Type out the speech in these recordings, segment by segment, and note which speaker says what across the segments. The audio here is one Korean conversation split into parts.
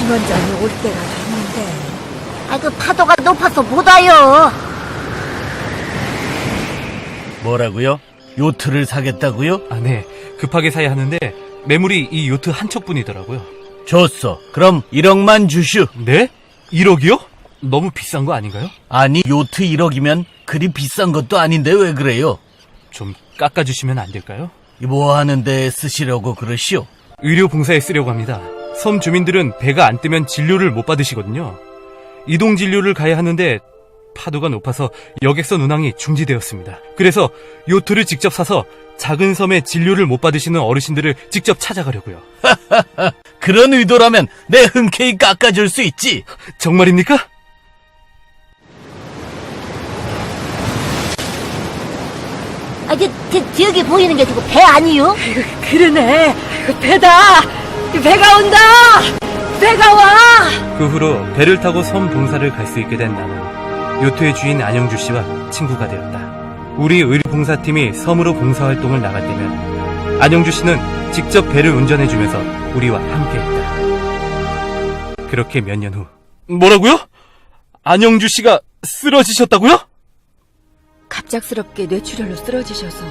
Speaker 1: 선원장이 올 때가 됐는데.
Speaker 2: 그 파도가 높아서 못 와요.
Speaker 3: 뭐라고요? 요트를 사겠다고요?
Speaker 4: 아, 네. 급하게 사야 하는데 매물이 이 요트 한 척뿐이더라고요.
Speaker 3: 줬어. 그럼 1억만 주슈.
Speaker 4: 네? 1억이요? 너무 비싼 거 아닌가요?
Speaker 3: 아니, 요트 1억이면 그리 비싼 것도 아닌데 왜 그래요?
Speaker 4: 좀 깎아주시면 안 될까요?
Speaker 3: 뭐 하는데 쓰시려고 그러시오?
Speaker 4: 의료 봉사에 쓰려고 합니다. 섬 주민들은 배가 안 뜨면 진료를 못 받으시거든요. 이동 진료를 가야 하는데 파도가 높아서 여객선 운항이 중지되었습니다. 그래서 요트를 직접 사서 작은 섬에 진료를 못 받으시는 어르신들을 직접 찾아가려고요.
Speaker 3: 그런 의도라면 내 흔쾌히 깎아줄 수 있지.
Speaker 4: 정말입니까?
Speaker 2: 저기 보이는 게 지금 배 아니요?
Speaker 1: 그러네. 배다. 배가 온다. 배가 와.
Speaker 4: 그 후로 배를 타고 섬 봉사를 갈 수 있게 된 나는 요트의 주인 안영주 씨와 친구가 되었다. 우리 의료봉사팀이 섬으로 봉사활동을 나갈 때면 안영주 씨는 직접 배를 운전해주면서 우리와 함께했다. 그렇게 몇 년 후. 뭐라고요? 안영주 씨가 쓰러지셨다고요?
Speaker 1: 갑작스럽게 뇌출혈로 쓰러지셔서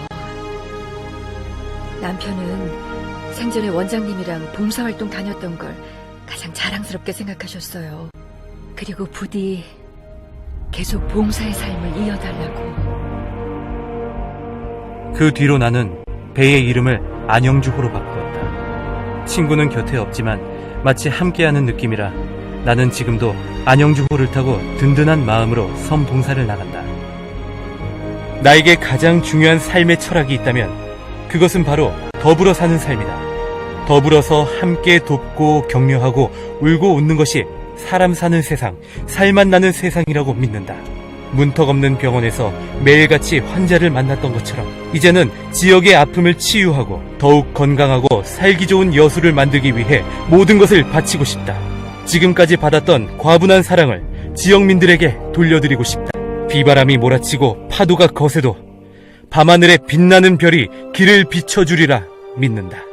Speaker 1: 남편은 생전에 원장님이랑 봉사활동 다녔던 걸 가장 자랑스럽게 생각하셨어요. 그리고 부디 계속 봉사의 삶을 이어달라고.
Speaker 4: 그 뒤로 나는 배의 이름을 안영주호로 바꾸었다. 친구는 곁에 없지만 마치 함께하는 느낌이라 나는 지금도 안영주호를 타고 든든한 마음으로 섬 봉사를 나간다. 나에게 가장 중요한 삶의 철학이 있다면 그것은 바로 더불어 사는 삶이다. 더불어서 함께 돕고 격려하고 울고 웃는 것이 사람 사는 세상, 살맛 나는 세상이라고 믿는다. 문턱 없는 병원에서 매일같이 환자를 만났던 것처럼 이제는 지역의 아픔을 치유하고 더욱 건강하고 살기 좋은 여수를 만들기 위해 모든 것을 바치고 싶다. 지금까지 받았던 과분한 사랑을 지역민들에게 돌려드리고 싶다. 비바람이 몰아치고 파도가 거세도 밤하늘에 빛나는 별이 길을 비춰주리라 믿는다.